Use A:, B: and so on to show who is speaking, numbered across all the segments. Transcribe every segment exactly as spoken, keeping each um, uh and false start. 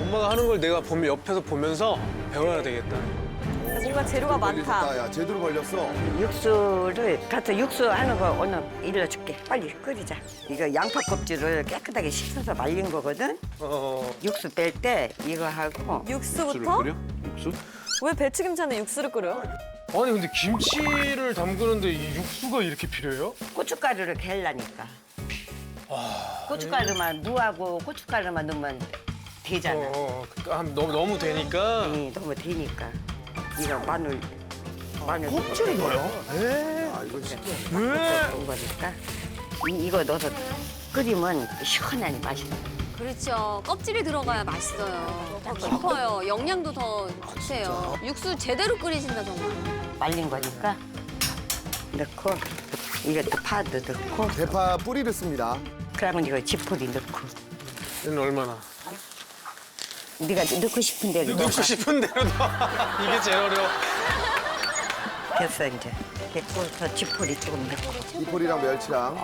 A: 엄마가 하는 걸 내가 보면 옆에서 보면서 배워야 되겠다.
B: 뭔가 재료가 많다.
C: 걸렸다, 야, 제대로 걸렸어.
D: 육수를 가서 육수 하는 거 오늘 일러줄게. 빨리 끓이자. 이거 양파 껍질을 깨끗하게 씻어서 말린 거거든.
A: 어.
D: 육수 뺄 때 이거 하고
B: 육수부터?
E: 육수?
B: 왜 배추김치는 육수를 끓여요?
A: 아니 근데 김치를 담그는데 이 육수가 이렇게 필요해요?
D: 고춧가루를 갤라니까. 고춧가루만 무하고 고춧가루만 넣으면 되잖아.
A: 어, 어. 아, 너무 너무 되니까.
D: 이 너무 되니까. 이거 마늘 마늘
C: 껍질을 넣어요? 에 아, 이거 진짜.
A: 왜?
D: 넣은 거니까 이, 이거 넣어서 끓이면 시원한 맛이 나.
F: 그렇죠. 껍질이 들어가야 맛있어요. 더 깊어요. 영양도 더 좋대요. 육수 제대로 끓이신다 정말.
D: 말린 거니까 넣고 이것도 파도 넣고
C: 대파 뿌리를 씁니다.
D: 그러면 이거 지포리 넣고
A: 얘는 얼마나?
D: 네가 넣고 싶은 대로 넣어.
A: 넣고 싶은 대로 넣어. 이게 제일 어려워.
D: 됐어 이제 됐고 더 지포리 조금 넣고
C: 이포리랑 멸치랑.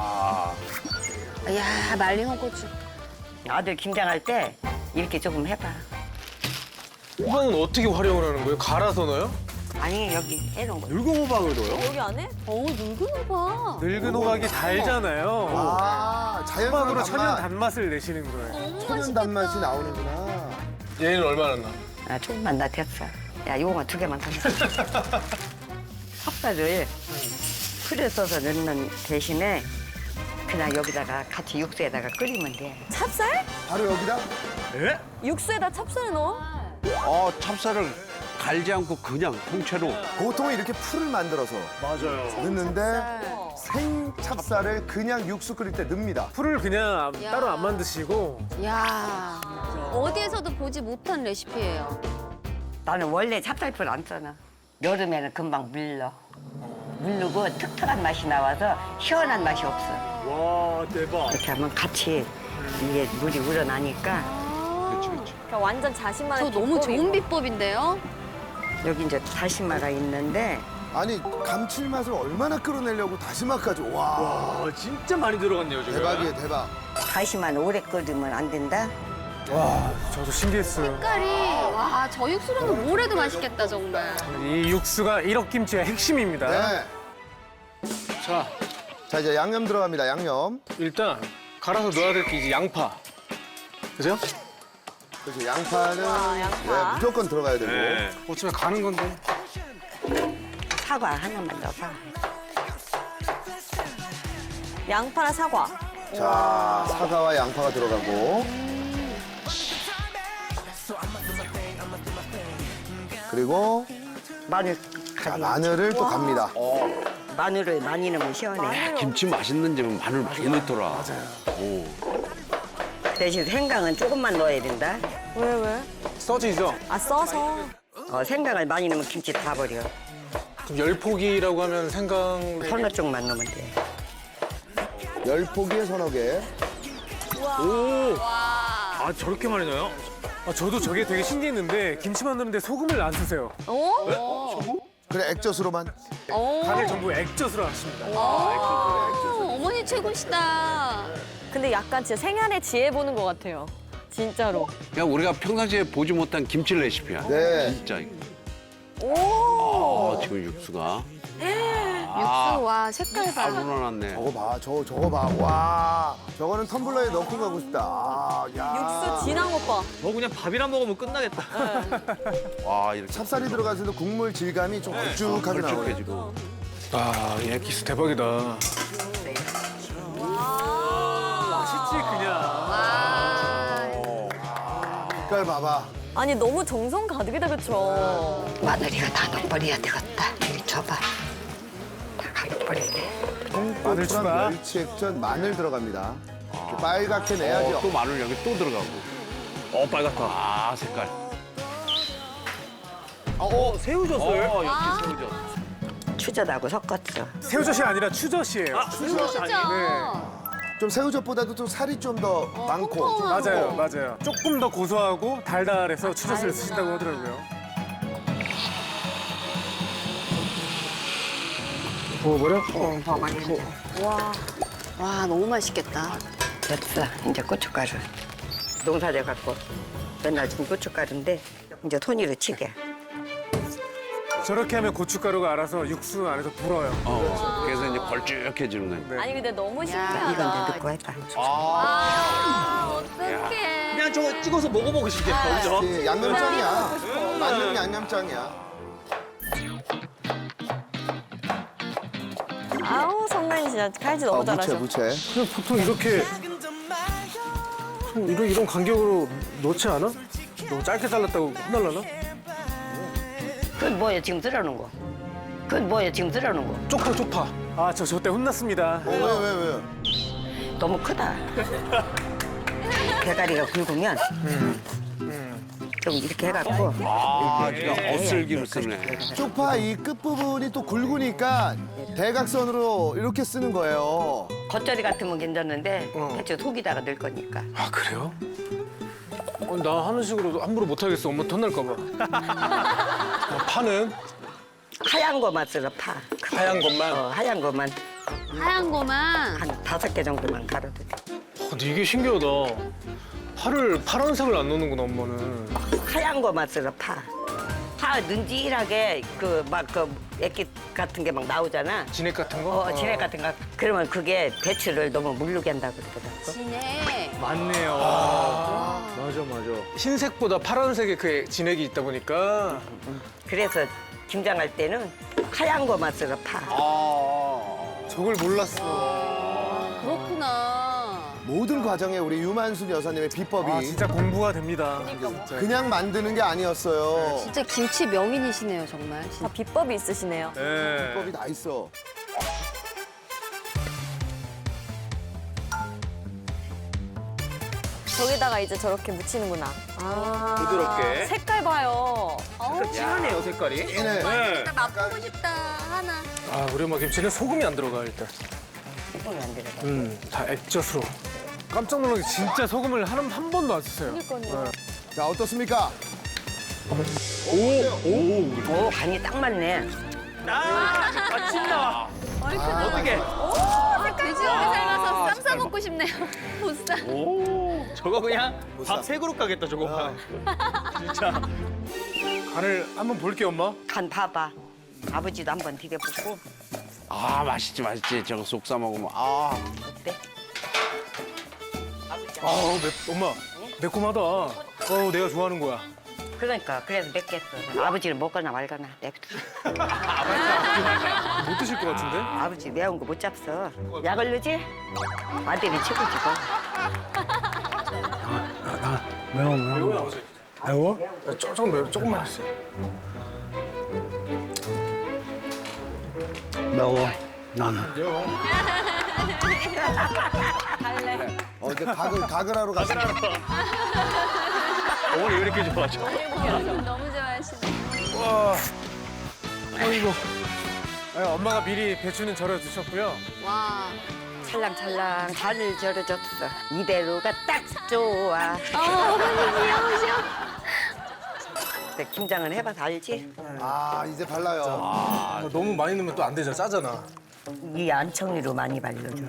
F: 야 말린 홍고추.
D: 아들 김장할 때 이렇게 조금 해봐.
A: 호박은 어떻게 활용을 하는 거예요? 갈아서 넣어요?
D: 아니 여기 해놓은 거
E: 늙은 호박을 넣어요?
B: 여기 안에?
F: 어 늙은 봐.
A: 늙은 호박이 달잖아요.
C: 아, 자연스러운
A: 호박으로 천연
C: 단맛.
A: 단맛을 내시는 거예요.
C: 천연 단맛이 나오는구나.
A: 얘는 얼마나 나?
D: 아, 조금만 나 됐어. 야 요거 두 개만 더 넣어. 찹쌀을 풀에 써서 넣는 대신에 그냥 여기다가 같이 육수에다가 끓이면 돼.
B: 찹쌀?
C: 바로 여기다?
A: 예?
B: 육수에다 찹쌀을 넣어?
E: 어, 찹쌀을 갈지 않고 그냥 통째로.
C: 보통은 이렇게 풀을 만들어서
A: 맞아요.
C: 넣는데 생 찹쌀을 그냥 육수 끓일 때 넣습니다.
A: 풀을 그냥
F: 야.
A: 따로 안 만드시고
F: 야 어디에서도 보지 못한 레시피예요.
D: 나는 원래 찹쌀풀 안 써나. 여름에는 금방 물러. 물르고 특특한 맛이 나와서 시원한 맛이 없어.
A: 와 대박.
D: 이렇게 하면 같이 이게 물이 우러나니까
E: 그렇지, 그렇지.
B: 그러니까 완전 자신만의
F: 저 너무
B: 비법이
F: 좋은 비법인데요.
D: 여기 이제 다시마가 있는데
C: 아니, 감칠맛을 얼마나 끌어내려고 다시마까지. 와,
A: 와 진짜 많이 들어갔네요 지금.
C: 대박이에요, 대박.
D: 다시마는 오래 끓이면 안 된다.
A: 와 저도 신기했어요.
F: 색깔이 와 저 육수로는 뭘 해도 맛있겠다 정말.
A: 이 육수가 일억김치의 핵심입니다.
C: 네.
A: 자
C: 자, 이제 양념 들어갑니다, 양념.
A: 일단 갈아서 넣어야 될 게 이제 양파. 그죠?
C: 그래서 양파는
B: 양파.
C: 네, 무조건 들어가야 되고.
A: 어차피 가는 건데.
D: 사과 하나만 넣어봐.
B: 양파랑 사과.
C: 자, 사과와 양파가 들어가고. 그리고
D: 마늘
C: 자,
D: 가지.
C: 마늘을 또 갑니다.
D: 마늘을 많이 넣으면 시원해.
E: 김치 맛있는 집은 마늘 많이 넣더라. 맞아요.
D: 대신 생강은 조금만 넣어야 된다.
B: 왜 왜?
A: 써지죠?
B: 아 써서.
D: 어, 생강을 많이 넣으면 김치 다 버려.
A: 그럼 열포기라고 하면 생강.
D: 서너 쪽만 넣으면 돼.
C: 열 포기에 서너 개.
A: 오. 아 저렇게 많이 넣어요? 아 저도 저게 되게 신기했는데 김치 만드는데 소금을 안 쓰세요.
F: 어?
C: 그래, 액젓으로만.
F: 어.
A: 다들 전부 액젓으로 하십니다.
F: 어. 어머니 최고시다.
B: 근데 약간 진짜 생활의 지혜 보는 것 같아요. 진짜로.
E: 그냥 우리가 평상시에 보지 못한 김치 레시피야.
C: 네.
E: 진짜.
B: 오.
E: 아, 지금 육수가.
F: 육수 와 색깔
E: 아,
F: 봐.
E: 우러났네.
C: 저거 봐, 저거, 저거 봐. 와, 저거는 텀블러에 넣고 가고 싶다. 아, 야.
B: 육수 진한 것 봐.
G: 뭐 그냥 밥이랑 먹으면 끝나겠다.
E: 와, 이렇게
C: 찹쌀이 들어가서도 국물 질감이 좀 걸쭉하게 나와요.
E: 걸쭉해지고.
A: 아, 이 엑기스 대박이다. 맛있지 그냥.
F: 와.
C: 색깔 봐봐.
B: 아니 너무 정성 가득이다 그쵸?
D: 마늘이가 다 넣어버려야 되겠다. 이리 줘봐. 다 가려버려야 돼.
A: 마늘 추가.
C: 멸치 액젓, 마늘 들어갑니다. 이렇게 빨갛게 내야죠.
E: 어, 또 마늘 여기 또 들어가고.
G: 어 빨갛다.
E: 아, 색깔.
G: 어 새우젓을.
E: 어, 역시 새우젓.
D: 추젓하고 섞었어.
A: 새우젓이 아니라 추젓이에요.
G: 새우젓이 아니네.
C: 좀 새우젓보다도 좀 살이 좀 더 많고. 좀
A: 맞아요, 맞아요. 조금 더 고소하고 달달해서 추젓을 쓰신다고 하더라고요. 부어버려?
D: 어, 더 많이 넣어.
F: 와. 와 너무 맛있겠다.
D: 됐어. 이제 고춧가루. 농사져 갖고 맨날 지금 고춧가루인데 이제 손으로 치게.
A: 저렇게 하면 고춧가루가 알아서 육수 안에서 불어요.
E: 어, 그래서 이제 걸쭉해지는 거예요.
B: 아니 근데 너무
D: 야,
B: 신기하다.
D: 이건 이제 넣고 했다.
F: 아, 어떡해.
G: 그냥 저거 찍어서 먹어보고 싶겠다, 그죠?
C: 예, 양념장이야. 만능 양념장이야.
B: 아우 성난이 진짜 칼질 너무
C: 어, 무채,
B: 잘하셔.
C: 무채.
A: 그냥 보통 이렇게 좀 이런 이런 간격으로 넣지 않아? 너무 짧게 잘랐다고 혼날라나?
D: 그건 뭐야 지금 들어놓은 거? 그건 뭐야 지금 들어놓은 거?
A: 쪽파 쪽파. 아 저 저 때 혼났습니다.
C: 어, 왜, 왜, 왜?
D: 너무 크다. 대가리가 굵으면 좀 이렇게 해갖고
E: 아, 진짜 어슬기로 쓰네.
C: 쪽파 이 끝부분이 또 굵으니까 대각선으로 이렇게 쓰는 거예요.
D: 겉절이 같으면 괜찮은데
A: 어.
D: 대체 속에다가 넣을 거니까.
A: 아 그래요? 어, 나 하는 식으로 함부로 못 하겠어. 엄마한테 혼날까 봐. 어, 파는
D: 하얀 거만 쓸어 파.
A: 하얀 것만.
D: 어, 하얀 거만
F: 하얀 거만.
D: 한 다섯 개 정도만 갈아도 돼.
A: 어, 근데 이게 신기하다. 파를 파란색을 안 넣는구나 엄마는.
D: 하얀 거만 쓸어 파. 파 눈질하게 그 막 그 액기 같은 게 막 나오잖아.
A: 진액 같은 거?
D: 어, 진액 같은 거. 그러면 그게 배추를 너무 물르게 한다고 그러더라고.
F: 진해.
A: 맞네요. 맞아 맞아. 흰색보다 파란색에 그 진액이 있다 보니까.
D: 그래서 김장할 때는 하얀 거만 쓸어 파.
A: 저걸 몰랐어.
F: 그렇구나.
C: 모든 과정에 우리 유만순 여사님의 비법이
A: 아 진짜 공부가 됩니다.
C: 그냥 만드는 게 아니었어요.
F: 진짜 김치 명인이시네요, 정말.
B: 다 비법이 있으시네요.
A: 네.
C: 비법이 다 있어.
B: 저기다가 이제 저렇게 묻히는구나. 아
G: 부드럽게.
B: 색깔 봐요.
G: 진하네요, 색깔이.
C: 얘네.
G: 네.
F: 나 맛보고 싶다, 하나.
A: 아 우리 엄마 김치는 소금이 안 들어가 일단.
D: 소금이 안 들어가.
A: 음, 다 액젓으로. 깜짝 놀란 게 진짜 소금을 한, 한 번도 안 썼어요.
B: 그러니까요.
C: 자, 어떻습니까?
D: 오, 간이 딱 맞네.
G: 아, 맛있다. 어떻게?
F: 돼지고기 삶아서 쌈 싸 먹고 싶네요. 보쌈.
G: 오, 저거 그냥 밥 세 그릇 가겠다, 저거. 진짜.
A: 간을 한번 볼게 엄마.
D: 간 봐봐. 아버지도 한번 디뎌보고
E: 아, 맛있지, 맛있지. 저거 속 싸 먹으면. 아,
D: 어때?
A: 아우 매, 엄마 매콤하다. 어우 내가 좋아하는 거야.
D: 그러니까 그래서 맵겠어. 아버지는 먹거나 말거나. 냅둬.
A: 못 드실 것 같은데?
D: 아버지 매운 거 못 잡서. 약을 넣지? 아들이 최고지 뭐.
A: 매워 매워. 아버지. 매워? 야, 조- 조금 매워. 조금만 했어.
E: 매워. 나는.
B: 갈래.
C: 어, 이제 각을, 각을 하러 가시네.
G: 어머니 왜 이렇게 좋아하죠?
F: 너무 좋아하시네.
A: 와. 아이고. 아니, 엄마가 미리 배추는 절여 두셨고요.
F: 와.
D: 찰랑찰랑 잘 절여졌어. 이대로가 딱 좋아.
F: 아, 어머니 귀여우셔.
D: 근데 김장은 해봐서 알지?
C: 아, 이제 발라요.
A: 아, 너무 많이 넣으면 또 안 되잖아. 짜잖아.
D: 이 안청리로 많이 발려줘.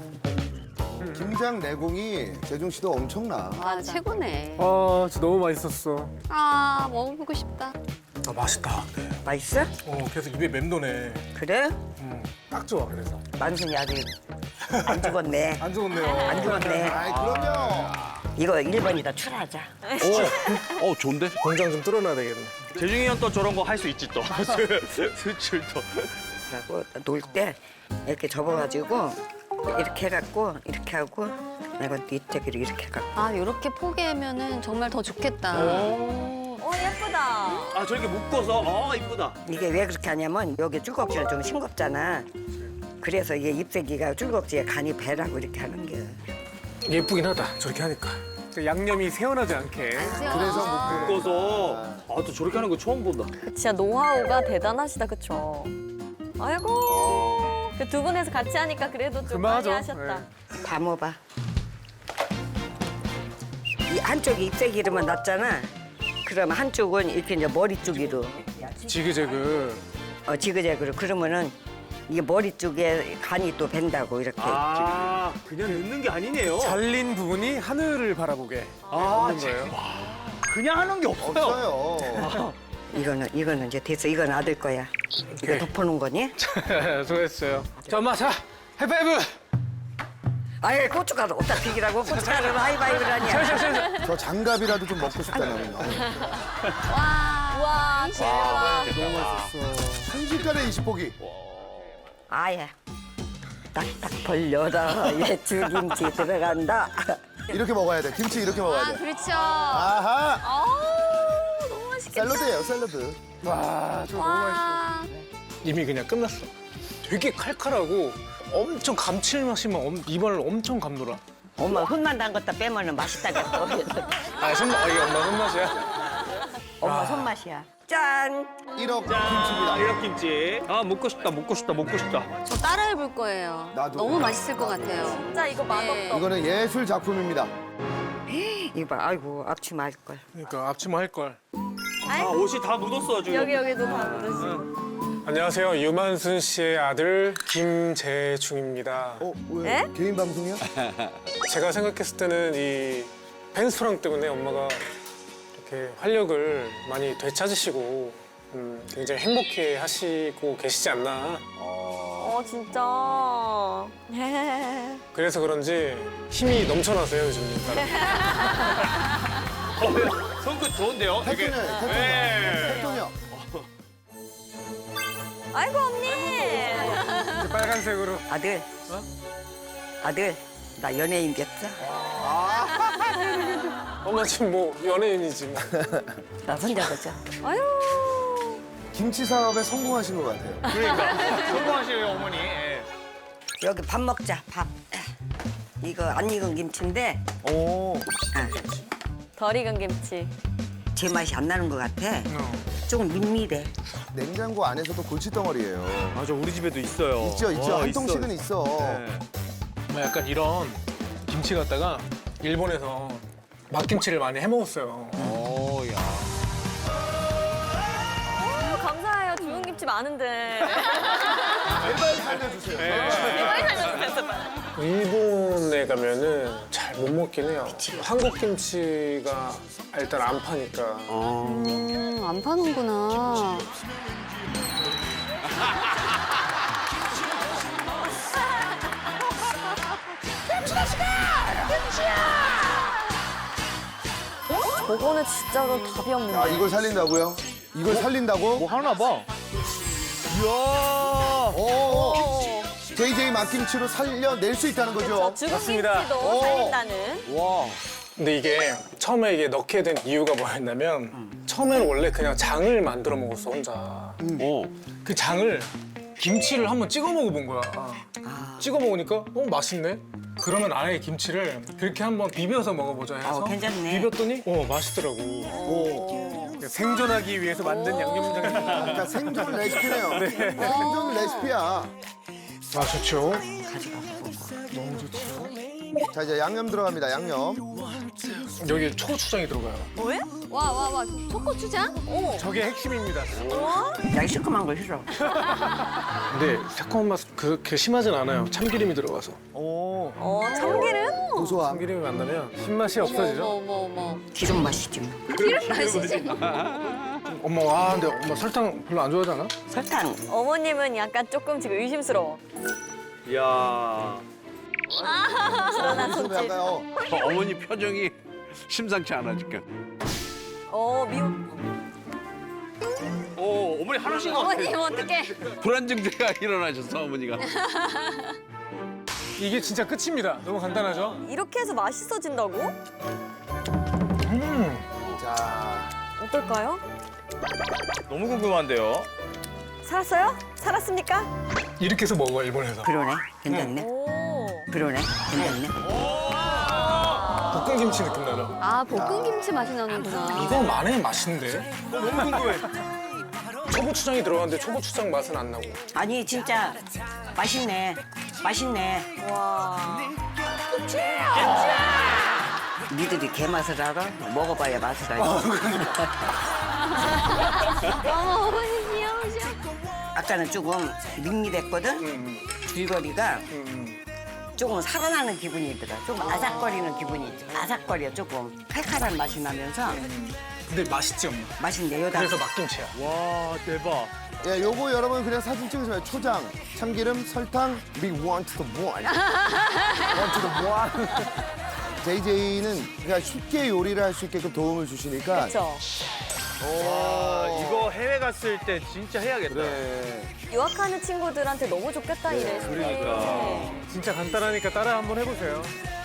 C: 김장 내공이 재중 씨도 엄청나.
F: 아, 최고네.
A: 아 진짜 너무 맛있었어.
F: 아, 먹어보고 싶다.
A: 아 맛있다. 네.
D: 맛있어?
A: 어 계속 입에 맴도네.
D: 그래?
A: 음, 딱 좋아 그래서.
D: 만순이 아직 안 죽었네.
A: 안 좋네요.
D: 안 죽었네.
C: 아이, 그럼요.
D: 이거 일 번이다 출하자.
E: 어, 어, 좋은데?
A: 공장 좀 뚫어놔야 되겠네.
G: 재중이 형 또 저런 거 할 수 있지 또. 수출도.
D: 하고 놀 때 이렇게 접어가지고 이렇게 해갖고 이렇게 하고 내가 뒤쪽으로 이렇게 해갖고
F: 아, 이렇게 포개면은 정말 더 좋겠다.
B: 오 예쁘다.
G: 아, 저렇게 묶어서. 아, 이쁘다.
D: 이게 왜 그렇게 하냐면 여기 줄곡지는 좀 싱겁잖아. 그래서 이게 ip새기가 줄곡지에 간이 배라고 이렇게 하는 게.
A: 예쁘긴 하다. 저렇게 하니까. 양념이 새어나지 않게.
C: 그래서 묶고.
G: 묶어서. 아, 또 저렇게 하는 거 처음 본다.
B: 진짜 노하우가 대단하시다, 그쵸? 아이고. 그 두 분에서 같이 하니까 그래도 좀 많이
A: 그만하죠.
B: 하셨다.
D: 담아봐. 이 한쪽이 ip새기로만 놨잖아. 그러면 한쪽은 이렇게 이제 머리 쪽으로
A: 지그재그.
D: 어, 지그재그로 그러면은 이게 머리 쪽에 간이 또 밴다고 이렇게.
G: 아, 그냥 넣는 게 아니네요.
A: 잘린 부분이 하늘을 바라보게
G: 아,
A: 하는 거예요.
G: 그냥 하는 게 없어요.
C: 없어요.
D: 이거는 이거는 이제 됐어. 이건 아들 거야. 이거 덮어놓은 거니?
A: 수고했어요. 자, 엄마, 자, 하이파이브!
D: 아예 고춧가루 어디다 튀기라고 고춧가루로 하이바이브를 하냐.
C: 저 장갑이라도 좀 먹고 싶다 나는.
F: 와, 대박.
C: 순식간에 이십 포기.
D: 아예 딱딱 벌려라. 예, 죽임치 들어간다.
C: 이렇게 먹어야 돼. 김치 이렇게 먹어야
F: 아,
C: 돼.
F: 그렇죠.
C: 아하.
F: 아우, 너무 맛있겠다.
C: 샐러드예요, 샐러드.
A: 와, 저거 너무 맛있어.
F: 와.
A: 이미 그냥 끝났어. 되게 칼칼하고 엄청 감칠맛이 막 엄- 입안을 엄청 감돌아.
D: 엄마 손만 담갔다 빼면은 맛있다겠어.
A: 아, 손맛, 아, 이게 엄마 손맛이야?
D: 엄마 손맛이야. 짠.
C: 일억 김치입니다.
G: 일락김치. 아, 먹고 싶다, 먹고 싶다, 먹고 싶다.
F: 저 따라해볼 거예요.
C: 나도.
F: 너무 맛있을 것 같아요.
B: 진짜 이거 맛없다.
C: 이거는 예술 작품입니다.
D: 이거 봐. 아이고 앞치 맞을 걸.
A: 그러니까 앞치마 할걸.
G: 아, 옷이 다 묻었어, 지금.
B: 여기 여기도 다 묻으시고.
A: 안녕하세요. 유만순 씨의 아들 김재중입니다.
C: 어, 왜?
B: 에?
C: 개인 방송이야?
A: 제가 생각했을 때는 이 펜스토랑 때문에 엄마가 이렇게 활력을 많이 되찾으시고 음, 굉장히 행복해 하시고 계시지 않나.
B: 어 진짜.
A: 그래서 그런지 힘이 넘쳐나세요, 요즘.
G: 손끝 좋은데요? 되게.
C: 태토녀, 태토녀.
G: 네.
C: 태토녀.
B: 아이고 언니.
A: 이제 빨간색으로.
D: 아들. 아들. 나 연예인 됐어.
A: 엄마 지금 뭐 연예인이지. 뭐.
D: 나 손잡았죠.
B: 아유.
C: 김치 사업에 성공하신 것 같아요.
G: 그러니까. 성공하시네요, 어머니. 예.
D: 여기 밥 먹자. 밥. 이거 안 익은 김치인데
C: 오.
D: 아,
B: 덜 익은 김치.
D: 제 맛이 안 나는 것 같아.
A: 어.
D: 조금 밋밋해.
C: 냉장고 안에서도 골칫덩어리예요.
G: 맞아, 우리 집에도 있어요.
C: 있죠, 있죠.
G: 어,
C: 한
G: 있어.
C: 통씩은 있어.
G: 네.
A: 뭐 약간 이런 김치 갖다가 일본에서 막김치를 많이 해 먹었어요.
E: 오, 야.
B: 어, 감사해요. 좋은 김치 많은데.
C: 제발 살려주세요.
A: 일본에 가면은 잘 못 먹긴 해요. 한국 김치가 일단 안 파니까.
F: 음, 안 파는구나.
B: 저거는 진짜로 답이 없는데.
C: 아, 이걸 살린다고요? 이걸 살린다고?
G: 뭐 하나 봐. 이야.
C: 오. 제이제이 막김치로 살려낼 수 있다는 거죠?
B: 죽은
A: 맞습니다.
B: 김치도
C: 오.
B: 살린다는.
C: 와.
A: 근데 이게 처음에 이게 넣게 된 이유가 뭐였냐면 처음에는 원래 그냥 장을 만들어 먹었어 혼자.
E: 오.
A: 그 장을 김치를 한번 찍어 먹어본 거야. 찍어 먹으니까 어 맛있네. 그러면 아예 김치를 그렇게 한번 비벼서 먹어보자 해서
D: 어, 괜찮네.
A: 비볐더니 어 맛있더라고.
C: 오.
A: 생존하기 위해서 만든 양념장이.
C: 그러니까 생존 레시피네요. 네. 생존 레시피야.
A: 아 좋죠.
C: 자, 이제 양념 들어갑니다, 양념.
A: 여기 초고추장이 들어가요.
F: 와, 와, 와. 초고추장? 오.
A: 저게 핵심입니다.
D: 야, 이 시큼한 거 싫어.
A: 근데 새콤한 맛 그렇게 심하진 않아요. 참기름이 들어가서.
C: 오.
B: 어 참기름?
C: 고소함.
A: 참기름이 만나면 신맛이 없어지죠.
F: 어머, 어머, 어머.
D: 기름 맛이지 뭐.
F: 기름 맛이지.
A: 엄마 와 근데 엄마 설탕 별로 안 좋아하잖아?
D: 설탕.
B: 어머님은 약간 조금 지금 의심스러워.
G: 이야.
B: 불안한
C: 좀
B: 손짓.
C: 약간, 어.
E: 어, 어머니 표정이 심상치 않아 지금.
B: 어 미워.
G: 오, 어머니 하나씩 넣었어.
F: 어머님, 어떡해.
E: 불안 증세가 일어나셨어 어머니가.
A: 이게 진짜 끝입니다. 너무 간단하죠?
B: 이렇게 해서 맛있어진다고?
C: 자.
B: 어떨까요?
G: 너무 궁금한데요.
B: 살았어요? 살았습니까?
A: 이렇게 해서 먹어 일본에서.
D: 그러네. 괜찮네.
B: 오.
D: 그러네. 괜찮네.
A: 볶은 김치 느낌 나죠?
F: 아, 볶음김치 맛이 나는구나.
A: 이건 많이 맛있는데?
G: 너무 궁금해.
A: 초고추장이 들어갔는데 초고추장 맛은 안 나고.
D: 아니 진짜 맛있네. 맛있네.
B: 와.
D: 니들이 개 맛을 알아? 먹어봐야 맛을 알지.
F: 어머, 어머니 귀여우셔.
D: 아, 아까는 조금 밋밋했거든. 줄거리가 조금 살아나는 기분이 들어. 좀 아삭거리는 기분이 있죠. 아삭거려 조금 칼칼한 맛이 나면서
A: 근데 맛있지 엄마.
D: 맛있네요. 다.
A: 그래서 막김치야.
G: 와 대박.
C: 예, 요거 여러분 그냥 사진 찍으시면 초장, 참기름, 설탕, big one to the one. one to the one. 제이제이는 그냥 쉽게 요리를 할 수 있게끔 도움을 주시니까.
B: 그렇죠.
G: 와 이거 해외 갔을 때 진짜 해야겠다.
C: 그래.
B: 유학하는 친구들한테 너무 좋겠다 이래.
G: 그러니까.
A: 진짜 간단하니까 따라 한번 해보세요.